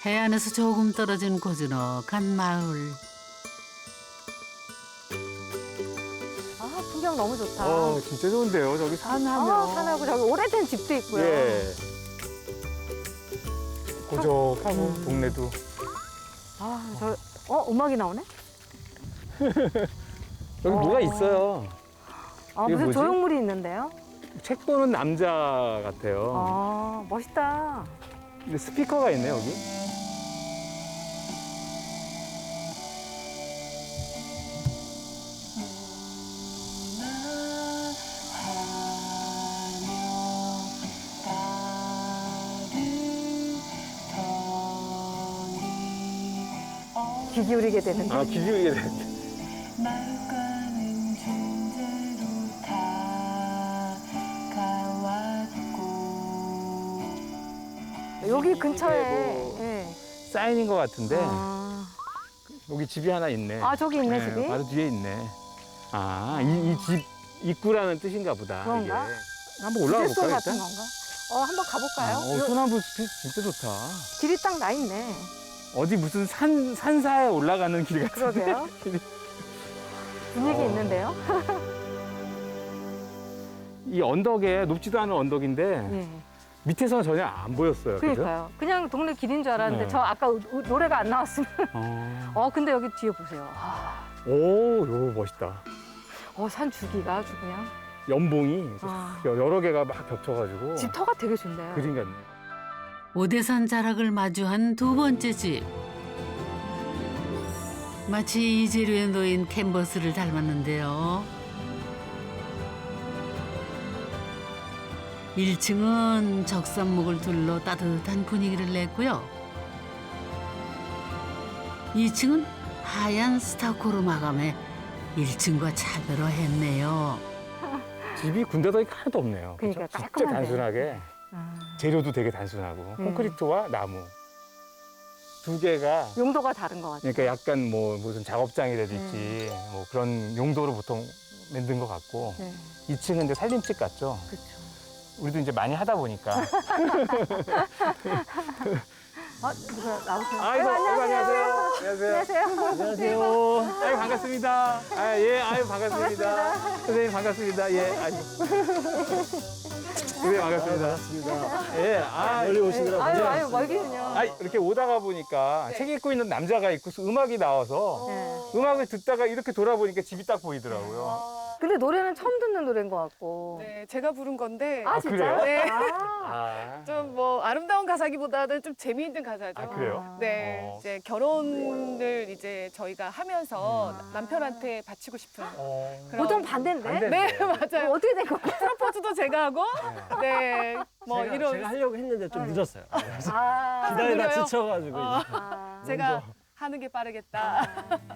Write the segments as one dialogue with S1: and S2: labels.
S1: 해안에서 조금 떨어진 고즈넉한 마을.
S2: 아, 풍경 너무 좋다.
S3: 진짜 좋은데요. 저기 산하면.
S2: 산하고 저기 오래된 집도 있고요.
S3: 예. 고적하고 동네도.
S2: 음악이 나오네?
S3: 여기 뭐가 있어요. 이게
S2: 무슨
S3: 뭐지?
S2: 조형물이 있는데요?
S3: 책 보는 남자 같아요.
S2: 멋있다.
S3: 근데 스피커가 있네 여기.
S2: 귀 기울이게 되는데.
S3: 아, 기지개 돼.
S2: 여기 근처에.
S3: 뭐
S2: 예.
S3: 사인인 것 같은데
S2: 아,
S3: 여기 집이 하나 있네.
S2: 저기 있네,
S3: 네,
S2: 집이.
S3: 바로 뒤에 있네. 아, 이 집 입구라는 뜻인가 보다.
S2: 그런가?
S3: 이게. 한번 올라가
S2: 기술소
S3: 볼까요,
S2: 같은
S3: 일단?
S2: 건가? 한번 가볼까요?
S3: 소나무 숲이 진짜 좋다.
S2: 길이 딱 나 있네.
S3: 어디 무슨 산사에 올라가는 길 같은데.
S2: 그러게요. 분위기 있는데요?
S3: 이 언덕에 높지도 않은 언덕인데
S2: 예.
S3: 밑에서는 전혀 안 보였어요. 그죠?
S2: 그러니까요. 그냥 동네 길인 줄 알았는데
S3: 네.
S2: 저 아까 노래가 안 나왔으면. 근데 여기 뒤에 보세요.
S3: 오, 이거 멋있다.
S2: 산 주기가 아주 그냥.
S3: 연봉이
S2: 아.
S3: 여러 개가 막 겹쳐가지고
S2: 집터가 되게 좋네요.
S3: 그림 같네.
S1: 오대산 자락을 마주한 두 번째 집. 마치 이재료에 놓인 캔버스를 닮았는데요. 1층은 적산목을 둘러 따뜻한 분위기를 냈고요. 2층은 하얀 스타코로 마감해 1층과 차별화했네요.
S3: 집이 군데더기 하나도 없네요.
S2: 그러니까
S3: 그죠? 진짜
S2: 깔끔하네.
S3: 단순하게 재료도 되게 단순하고 콘크리트와 나무 두 개가
S2: 용도가 다른 것 같아요.
S3: 그러니까 약간 뭐 무슨 작업장이라든지 뭐 그런 용도로 보통 만든 것 같고
S2: 네.
S3: 2층은 이제 살림집 같죠.
S2: 그렇죠.
S3: 우리도 이제 많이 하다 보니까.
S2: 누가 나오세요?
S3: 아이고, 안녕하세요.
S2: 안녕하세요.
S3: 안녕하세요. 아유, 반갑습니다. 아유, 반갑습니다. 선생님, 반갑습니다. 아유. 선생님, 반갑습니다.
S4: 멀리 오시느라고.
S2: 아유, 멀기는요.
S3: 이렇게 오다가 보니까 책 읽고 있는 남자가 있고 음악이 나와서
S2: 네.
S3: 음악을 듣다가 이렇게 돌아보니까 집이 딱 보이더라고요.
S2: 근데 노래는 처음 듣는 노래인 것 같고.
S5: 네, 제가 부른 건데
S3: 그래요?
S5: 네.
S3: 아,
S5: 좀 뭐 아름다운 가사기보다는 좀 재미있는 가사죠.
S3: 그래요?
S5: 네, 이제 결혼을 이제 저희가 하면서 남편한테 바치고 싶은 그런.
S2: 보통 반대인데?
S5: 네, 맞아요.
S2: 어떻게 된 거예요?
S5: 프로포즈도 제가 하고, 네, 뭐 이런.
S4: 제가 하려고 했는데 좀 늦었어요.
S5: 그래요?
S4: 기다리다 지쳐가지고.
S5: 제가 하는 게 빠르겠다.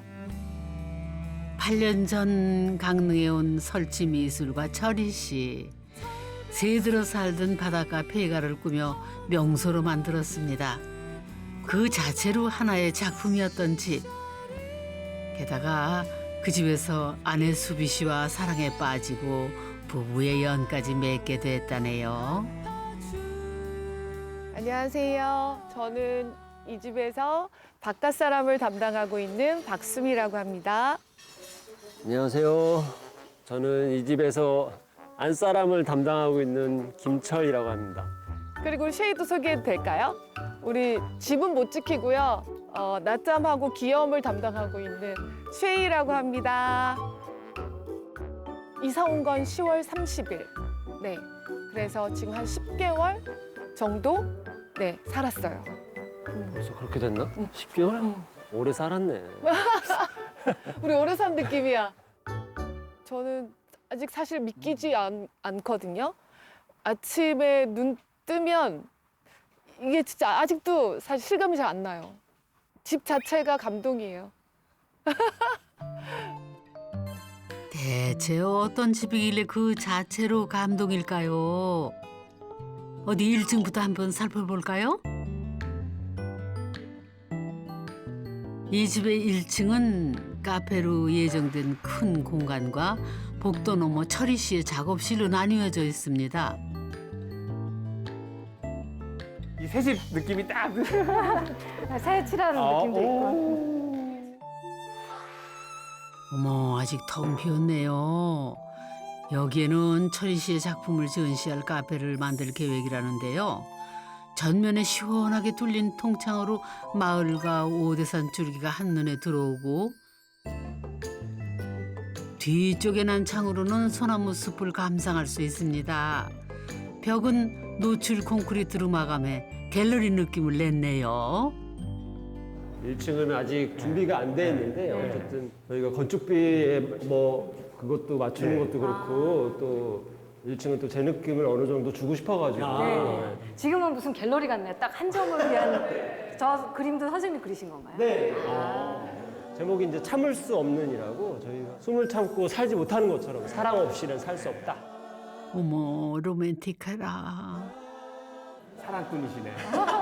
S1: 8년 전 강릉에 온 설치 미술가 철희 씨. 새들어 살던 바닷가 폐가를 꾸며 명소로 만들었습니다. 그 자체로 하나의 작품이었던 집. 게다가 그 집에서 아내 수비 씨와 사랑에 빠지고 부부의 연까지 맺게 됐다네요.
S5: 안녕하세요. 저는 이 집에서 바깥 사람을 담당하고 있는 박수미라고 합니다.
S4: 안녕하세요. 저는 이 집에서 안사람을 담당하고 있는 김철이라고 합니다.
S5: 그리고 쉐이도 소개해도 될까요? 우리 집은 못 지키고요. 낮잠하고 귀여움을 담당하고 있는 쉐이라고 합니다. 이사 온 건 10월 30일. 네. 그래서 지금 한 10개월 정도 네, 살았어요.
S4: 벌써 그렇게 됐나? 10개월? 오래 살았네.
S5: 우리 오래 산 느낌이야. 저는 아직 사실 믿기지 않거든요. 아침에 눈 뜨면 이게 진짜 아직도 사실 실감이 잘 안 나요. 집 자체가 감동이에요.
S1: 대체 어떤 집이길래 그 자체로 감동일까요? 어디 1층부터 한번 살펴볼까요? 이 집의 1층은 카페로 예정된 큰 공간과 복도 너머 철희 씨의 작업실로 나뉘어져 있습니다.
S3: 이 새집 느낌이 딱.
S2: 새 칠하는 느낌도 있고.
S1: 어머, 아직 텅 비었네요. 여기에는 철희 씨의 작품을 전시할 카페를 만들 계획이라는데요. 전면에 시원하게 뚫린 통창으로 마을과 오대산 줄기가 한눈에 들어오고 뒤쪽에 난 창으로는 소나무 숲을 감상할 수 있습니다. 벽은 노출 콘크리트로 마감해 갤러리 느낌을 냈네요.
S4: 1층은 아직 준비가 안 돼 있는데 어쨌든 저희가 건축비에 뭐 그것도 맞추는 것도 그렇고 또 1층은 또 제 느낌을 어느 정도 주고 싶어가지고
S2: 네. 지금은 무슨 갤러리 같네요. 딱 한 점을 위한 저 그림도 선생님이 그리신 건가요?
S4: 네. 제목이 이제 참을 수 없는이라고 저희가 숨을 참고 살지 못하는 것처럼 사랑 없이는 살 수 없다.
S1: 어머, 로맨틱하라.
S3: 사랑꾼이시네.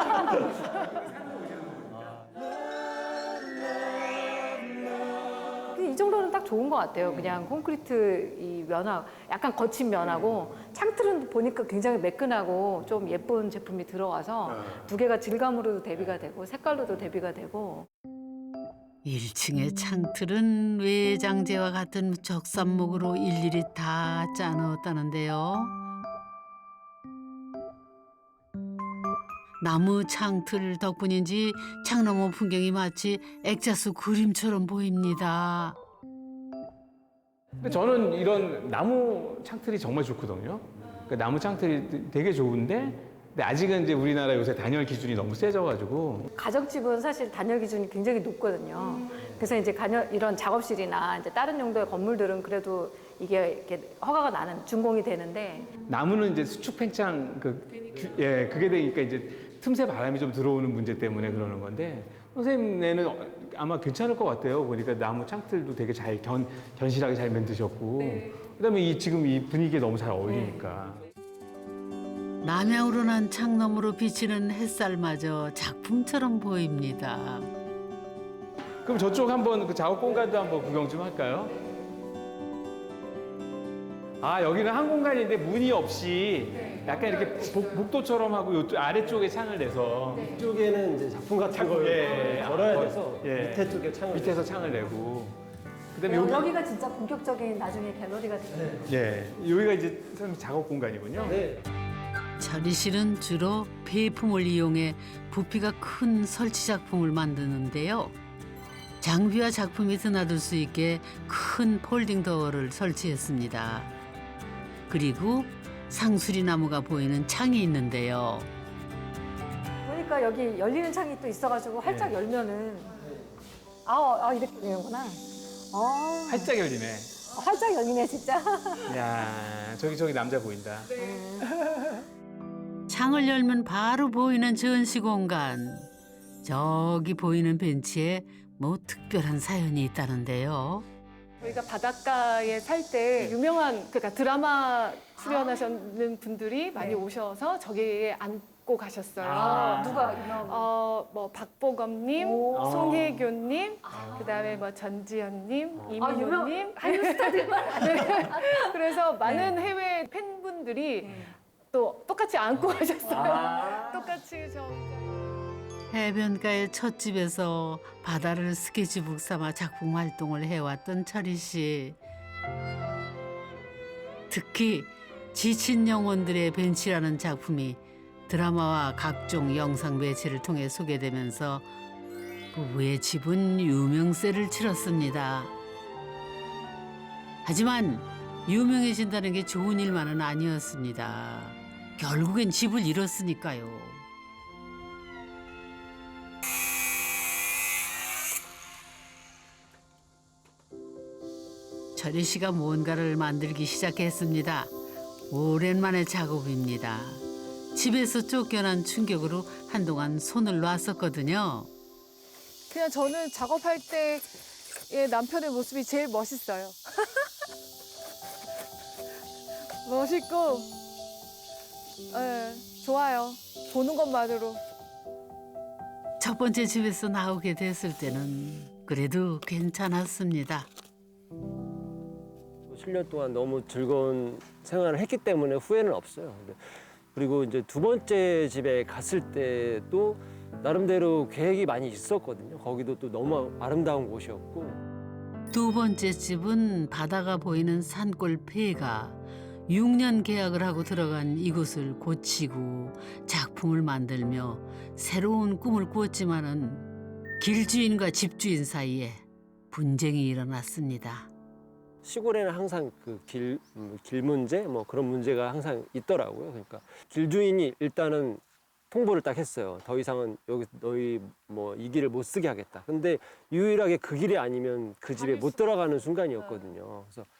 S2: 근데 이 정도는 딱 좋은 것 같아요. 그냥 콘크리트 이 면화, 약간 거친 면하고 창틀은 보니까 굉장히 매끈하고 좀 예쁜 제품이 들어가서 두 개가 질감으로도 대비가 되고 색깔로도 대비가 되고.
S1: 1층의 창틀은 외장재와 같은 적산목으로 일일이 다 짜놓았다는데요. 나무 창틀 덕분인지 창너머 풍경이 마치 액자수 그림처럼 보입니다.
S3: 근데 저는 이런 나무 창틀이 정말 좋거든요. 그 나무 창틀이 되게 좋은데 근데 아직은 이제 우리나라 요새 단열 기준이 너무 세져가지고
S2: 가정집은 사실 단열 기준이 굉장히 높거든요. 그래서 이제 이런 작업실이나 이제 다른 용도의 건물들은 그래도 이게 이렇게 허가가 나는 준공이 되는데
S3: 나무는 이제 수축 팽창 그게 되니까 이제 틈새 바람이 좀 들어오는 문제 때문에 그러는 건데 선생님네는 아마 괜찮을 것 같아요. 보니까 나무 창틀도 되게 잘 견실하게 잘 만드셨고 그다음에 지금 이 분위기에 너무 잘 어울리니까.
S1: 남향으로 난 창너머로 비치는 햇살마저 작품처럼 보입니다.
S3: 그럼 저쪽 한번 그 작업 공간도 한번 구경 좀 할까요? 아 여기는 한 공간인데 문이 없이 약간 이렇게 복도처럼 하고 요쪽 아래쪽에 창을 내서
S4: 이쪽에는 이제 작품 같은 걸 걸어야 돼서
S3: 예.
S4: 밑에 쪽에 창을
S3: 밑에서 창을 내고 그다음에 여기
S2: 여기가 진짜 본격적인 나중에 갤러리가 되요
S3: 예 여기가 이제 선생님 작업 공간이군요.
S4: 네.
S1: 철희 씨는 주로 폐품을 이용해 부피가 큰 설치 작품을 만드는데요. 장비와 작품이 드나들 수 있게 큰 폴딩 도어를 설치했습니다. 그리고 상수리 나무가 보이는 창이 있는데요.
S2: 보니까 여기 열리는 창이 또 있어가지고 활짝 열면은 이렇게 되는구나.
S3: 활짝 열리네.
S2: 활짝 열리네 진짜.
S3: 야 저기 남자 보인다.
S1: 창을 열면 바로 보이는 전시 공간. 저기 보이는 벤치에 뭐 특별한 사연이 있다는데요.
S5: 저희가 바닷가에 살 때 유명한 그러니까 드라마 출연하시는 분들이 많이 오셔서 저기에 앉고 가셨어요.
S2: 누가 유명?
S5: 뭐 박보검님,
S2: 오.
S5: 송혜교님, 그다음에 뭐 전지현님,
S2: 유명
S5: 이민호님.
S2: 한류 스타들만.
S5: 네. 그래서 많은 해외 팬분들이 또 똑같이 앉고 가셨어요. 똑같이
S1: 해변가의 찻집에서 바다를 스케치북 삼아 작품 활동을 해왔던 철희 씨. 특히 지친 영혼들의 벤치라는 작품이 드라마와 각종 영상 매체를 통해 소개되면서 부부의 집은 유명세를 치렀습니다. 하지만 유명해진다는 게 좋은 일만은 아니었습니다. 결국엔 집을 잃었으니까요. 철희 씨가 뭔가를 만들기 시작했습니다. 오랜만의 작업입니다. 집에서 쫓겨난 충격으로 한동안 손을 놨었거든요.
S5: 그냥 저는 작업할 때의 남편의 모습이 제일 멋있어요. 멋있고, 좋아요. 보는 것만으로.
S1: 첫 번째 집에서 나오게 됐을 때는 그래도 괜찮았습니다.
S4: 7년 동안 너무 즐거운 생활을 했기 때문에 후회는 없어요. 근데 그리고 이제 두 번째 집에 갔을 때도 나름대로 계획이 많이 있었거든요. 거기도 또 너무 아름다운 곳이었고.
S1: 두 번째 집은 바다가 보이는 산골 폐가 6년 계약을 하고 들어간 이곳을 고치고 작품을 만들며 새로운 꿈을 꾸었지만은 길주인과 집주인 사이에 분쟁이 일어났습니다.
S4: 시골에는 항상 그 길 문제 뭐 그런 문제가 항상 있더라고요. 그러니까 길주인이 일단은 통보를 딱 했어요. 더 이상은 여기 너희 뭐 이 길을 못 쓰게 하겠다. 근데 유일하게 그 길이 아니면 그 집에 못 들어가는 순간이었거든요. 그래서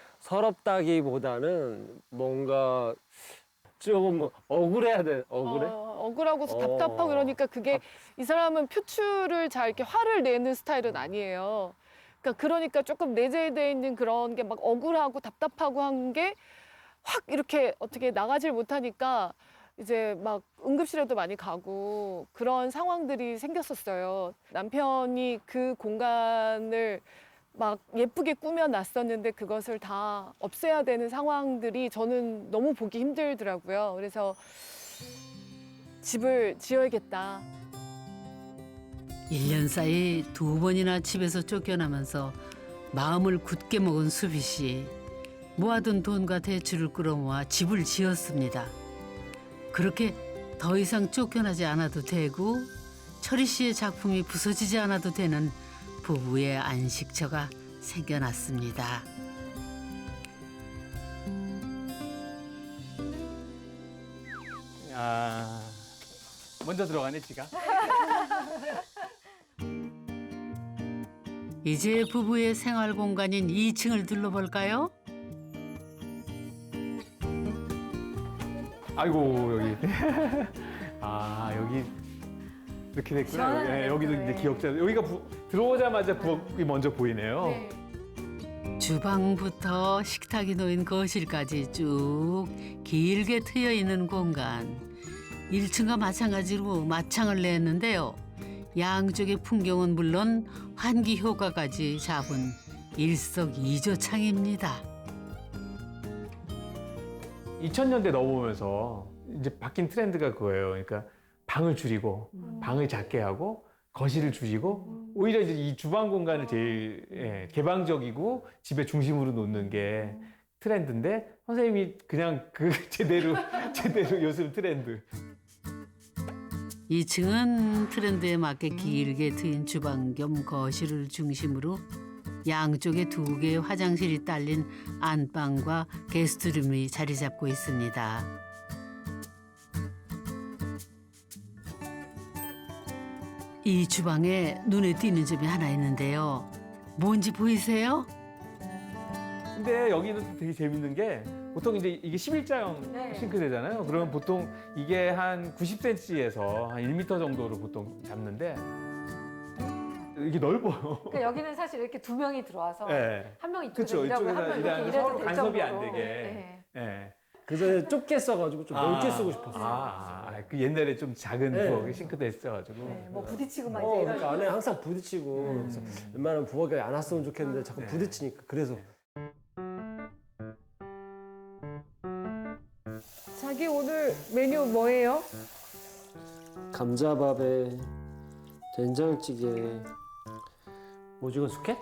S4: 서럽다기보다는 뭔가 조금 뭐 억울해야 돼. 억울해?
S5: 억울하고 답답하고 그러니까 그게 이 사람은 표출을 잘 이렇게 화를 내는 스타일은 아니에요. 그러니까 조금 내재되어 있는 그런 게 막 억울하고 답답하고 한 게 확 이렇게 어떻게 나가질 못하니까 이제 막 응급실에도 많이 가고 그런 상황들이 생겼었어요. 남편이 그 공간을 막 예쁘게 꾸며놨었는데 그것을 다 없애야 되는 상황들이 저는 너무 보기 힘들더라고요. 그래서 집을 지어야겠다.
S1: 1년 사이 2번이나 집에서 쫓겨나면서 마음을 굳게 먹은 수비 씨. 모아둔 돈과 대출을 끌어모아 집을 지었습니다. 그렇게 더 이상 쫓겨나지 않아도 되고 철희 씨의 작품이 부서지지 않아도 되는 부부의 안식처가 생겨났습니다.
S3: 아, 먼저 들어가네, 지가.
S1: 이제 부부의 생활 공간인 2층을 둘러볼까요?
S3: 아이고, 여기. 아, 여기 이렇게 됐구나.
S2: 시원하네요.
S3: 예, 여기도 이제
S2: 네.
S3: 기억자. 여기가 들어오자마자 부엌이 먼저 보이네요.
S1: 주방부터 식탁이 놓인 거실까지 쭉 길게 트여 있는 공간. 1층과 마찬가지로 마창을 냈는데요. 양쪽의 풍경은 물론 환기 효과까지 잡은 일석이조 창입니다.
S3: 2000년대 넘어오면서 이제 바뀐 트렌드가 그거예요. 그러니까 방을 줄이고 방을 작게 하고 거실을 줄이고 오히려 이제 이 주방 공간을 제일 개방적이고 집의 중심으로 놓는 게 트렌드인데 선생님이 그냥 그 제대로 요즘 트렌드.
S1: 2층은 트렌드에 맞게 길게 트인 주방 겸 거실을 중심으로 양쪽에 2개의 화장실이 딸린 안방과 게스트룸이 자리 잡고 있습니다. 이 주방에 눈에 띄는 점이 하나 있는데요. 뭔지 보이세요?
S3: 근데 여기는 되게 재밌는 게 보통 이제 이게 11자형 싱크대잖아요. 그러면 보통 이게 한 90cm에서 한 1m 정도로 보통 잡는데 이게 넓어요.
S2: 그러니까 여기는 사실 이렇게 두 명이 들어와서
S3: 네.
S2: 한 명
S3: 그쵸,
S2: 이쪽에서 일하고 한 명
S3: 이쪽에서
S2: 이렇게
S3: 서로
S2: 일해도 될
S3: 간섭이 안
S2: 정도로.
S3: 되게.
S2: 네.
S3: 예.
S4: 그래서 좁게 써가지고 좀 넓게 쓰고 싶었어요.
S3: 그 옛날에 좀 작은
S4: 네.
S3: 부엌에 싱크대 있어가지고.
S2: 네, 뭐 부딪히고 막 이제
S4: 그러니까
S2: 이러니까.
S4: 안에 항상 부딪히고 그래서 웬만하면 부엌에 안 왔으면 좋겠는데 자꾸
S3: 네.
S4: 부딪히니까 그래서
S5: 자기 오늘 메뉴 뭐예요?
S4: 감자밥에 된장찌개 오징어 숙회?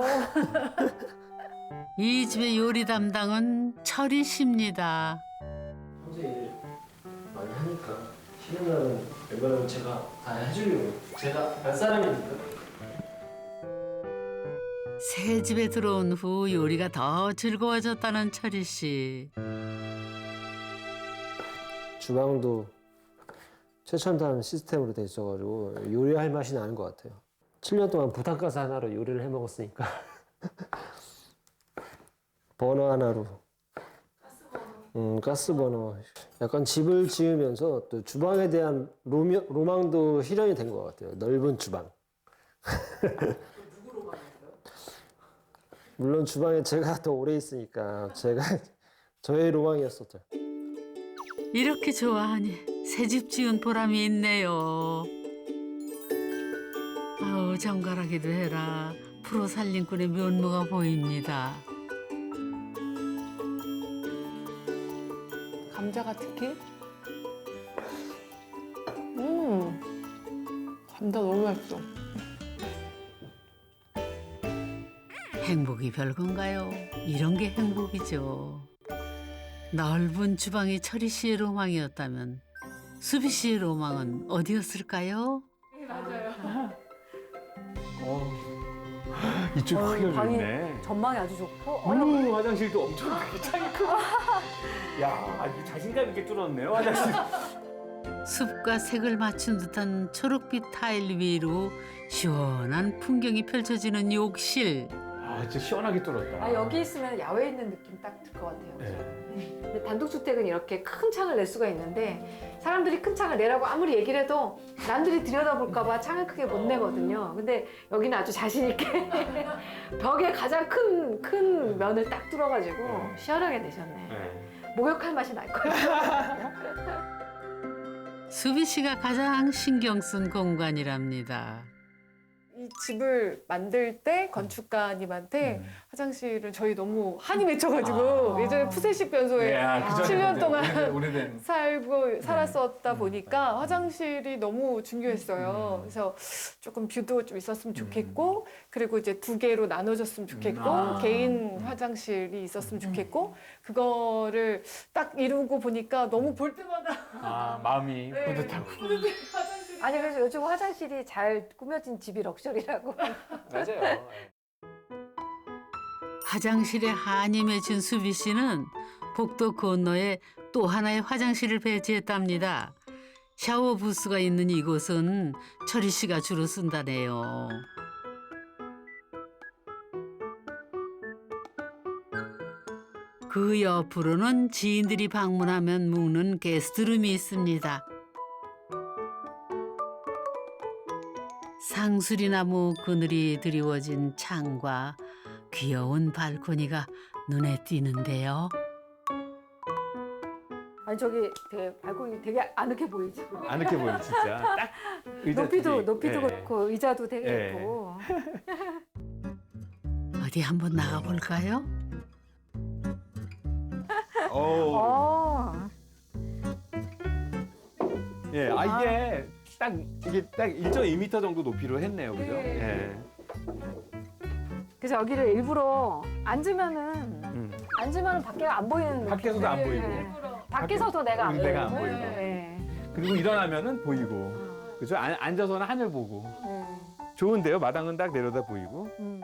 S1: 이 집의 요리 담당은 철희 씨입니다.
S4: 평소에 일 많이 하니까 쉬는 날은 웬만하면 제가 다 해주려고 제가 할 사람이니까.
S1: 새 집에 들어온 후 요리가 더 즐거워졌다는 철희 씨.
S4: 주방도 최첨단 시스템으로 돼 있어가지고 요리할 맛이 나는 것 같아요. 7년 동안 부탄가스 하나로 요리를 해 먹었으니까 버너 하나로 가스버너. 약간 집을 지으면서 또 주방에 대한 로망도 실현이 된 것 같아요. 넓은 주방. 물론 주방에 제가 더 오래 있으니까 저의 로망이었었죠.
S1: 이렇게 좋아하니 새집 지은 보람이 있네요. 아우 정갈하기도 해라. 프로 살림꾼의 면모가 보입니다.
S5: 감자가 특히 감자 너무 맛있어.
S1: 행복이 별건가요? 이런 게 행복이죠. 넓은 주방이 철희 씨의 로망이었다면 수비 씨의 로망은 어디였을까요?
S3: 이쪽 크게
S2: 방이
S3: 열렸네.
S2: 전망이 아주 좋고
S3: 어머, 화장실도 엄청 크게 창이 크고. 야, 이 자신감 있게 뚫었네요, 화장실.
S1: 숲과 색을 맞춘 듯한 초록빛 타일 위로 시원한 풍경이 펼쳐지는 욕실.
S3: 아, 진짜 시원하게 뚫었다.
S2: 아, 여기 있으면 야외에 있는 느낌 딱 들 것 같아요.
S3: 네.
S2: 근데 단독주택은 이렇게 큰 창을 낼 수가 있는데 사람들이 큰 창을 내라고 아무리 얘기를 해도 남들이 들여다볼까 봐 창을 크게 못 내거든요. 근데 여기는 아주 자신 있게 벽에 가장 큰 면을 딱 뚫어가지고 시원하게 내셨네.
S3: 네.
S2: 목욕할 맛이 날 거예요.
S1: 수비 씨가 가장 신경 쓴 공간이랍니다.
S5: 이 집을 만들 때 건축가님한테 화장실을 저희 너무 한이 맺혀가지고 예전에 푸세식 변소에
S3: 야, 그 전에
S5: 7년 동안
S3: 오래된.
S5: 살았었다 보니까 화장실이 너무 중요했어요. 그래서 조금 뷰도 좀 있었으면 좋겠고, 그리고 이제 2개로 나눠졌으면 좋겠고, 개인 화장실이 있었으면 좋겠고, 그거를 딱 이루고 보니까 너무 볼 때마다
S3: 아, 마음이
S5: 네,
S3: 뿌듯하고.
S5: 뿌듯해, 화장실이.
S2: 아니 그래서 요즘 화장실이 잘 꾸며진 집이 럭셔리라고.
S3: 맞아요.
S1: 화장실에 한이 맺힌 수비 씨는 복도 건너에 또 하나의 화장실을 배치했답니다. 샤워 부스가 있는 이곳은 철희 씨가 주로 쓴다네요. 그 옆으로는 지인들이 방문하면 묵는 게스트룸이 있습니다. 상수리나무 그늘이 드리워진 창과 귀여운 발코니가 눈에 띄는데요.
S2: 아니 저기 되게 발코니 되게 아늑해 보이죠.
S3: 아늑해 보여, 진짜. 딱 의자
S2: 높이도
S3: 되게, 예.
S2: 그렇고 의자도 되게
S3: 예.
S2: 예쁘고.
S1: 어디 한번 나가볼까요?
S3: 어. 예, 이게 딱 1.2m 정도 높이로 했네요, 그죠? 예.
S2: 그래서 여기를 일부러 앉으면은 밖에가 안 보이는.
S3: 밖에서도 안 보이고.
S2: 밖에서도 내가 안 보이고.
S3: 내가 안 보이고.
S2: 네.
S3: 그리고 일어나면은 보이고. 그죠? 앉아서는 하늘 보고. 좋은데요? 마당은 딱 내려다 보이고.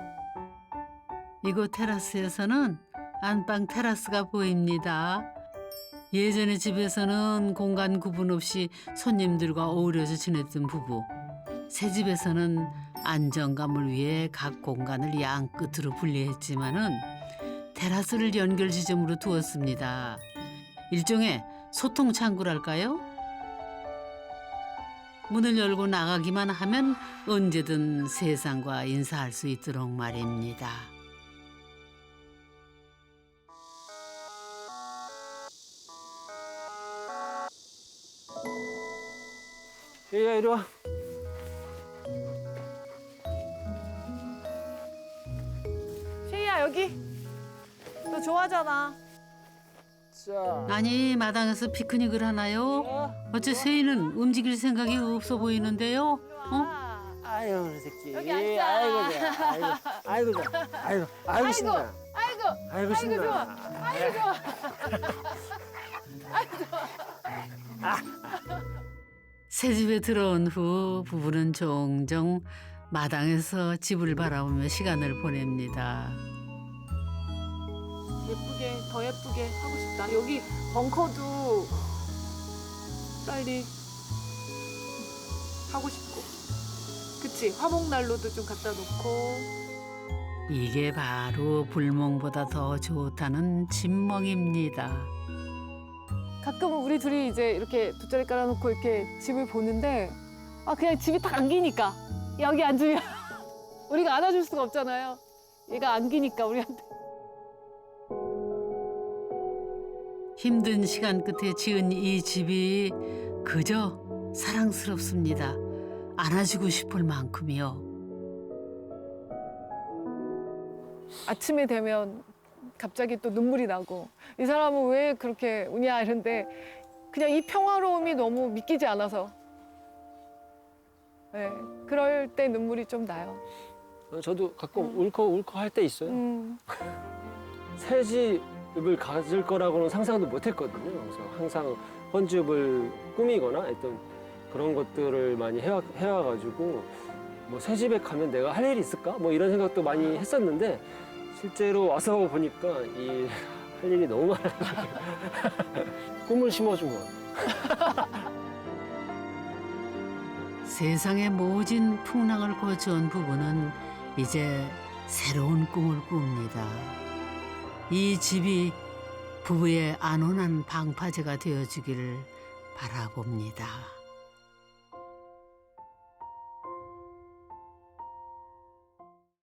S1: 이곳 테라스에서는 안방 테라스가 보입니다. 예전의 집에서는 공간 구분 없이 손님들과 어우러져 지냈던 부부. 새 집에서는 안정감을 위해 각 공간을 양 끝으로 분리했지만은 테라스를 연결 지점으로 두었습니다. 일종의 소통 창구랄까요? 문을 열고 나가기만 하면 언제든 세상과 인사할 수 있도록 말입니다.
S4: 야, 이리 와.
S5: 쉐이야 여기. 너 좋아하잖아.
S4: 자.
S1: 아니 마당에서 피크닉을 하나요? 어째 세이는 움직일 생각이 없어 보이는데요? 어?
S6: 아유, 우리 새끼.
S5: 여기 앉자.
S6: 아이고, 좋아. 아이고, 좋아. 아이고, 신나. 아이고, 신나.
S5: 좋아. 아이고 좋아.
S1: 새 집에 들어온 후 부부는 종종 마당에서 집을 바라보며 시간을 보냅니다.
S5: 예쁘게 더 예쁘게 하고 싶다. 여기 벙커도 빨리 하고 싶고, 그치? 화목난로도 좀 갖다 놓고.
S1: 이게 바로 불멍보다 더 좋다는 진멍입니다.
S5: 가끔은 우리 둘이 이제 이렇게 돗자리 깔아놓고 이렇게 집을 보는데 그냥 집이 딱 안기니까 여기 앉으면 우리가 안아줄 수가 없잖아요. 얘가 안기니까 우리한테.
S1: 힘든 시간 끝에 지은 이 집이 그저 사랑스럽습니다. 안아주고 싶을 만큼이요.
S5: 아침에 되면 갑자기 또 눈물이 나고, 이 사람은 왜 그렇게 우냐 이런데 그냥 이 평화로움이 너무 믿기지 않아서. 네, 그럴 때 눈물이 좀 나요.
S4: 저도 가끔 울컥울컥 할 때 있어요. 새 집을 가질 거라고는 상상도 못 했거든요. 그래서 항상 헌집을 꾸미거나 어떤 그런 것들을 많이 해와가지고 뭐 새 집에 가면 내가 할 일이 있을까? 뭐 이런 생각도 많이 했었는데 실제로 와서 보니까 이 할 일이 너무 많아가지고 꿈을 심어준 것 같아요.
S1: 세상의 모진 풍랑을 거쳐온 부부는 이제 새로운 꿈을 꿉니다. 이 집이 부부의 안온한 방파제가 되어주기를 바라봅니다.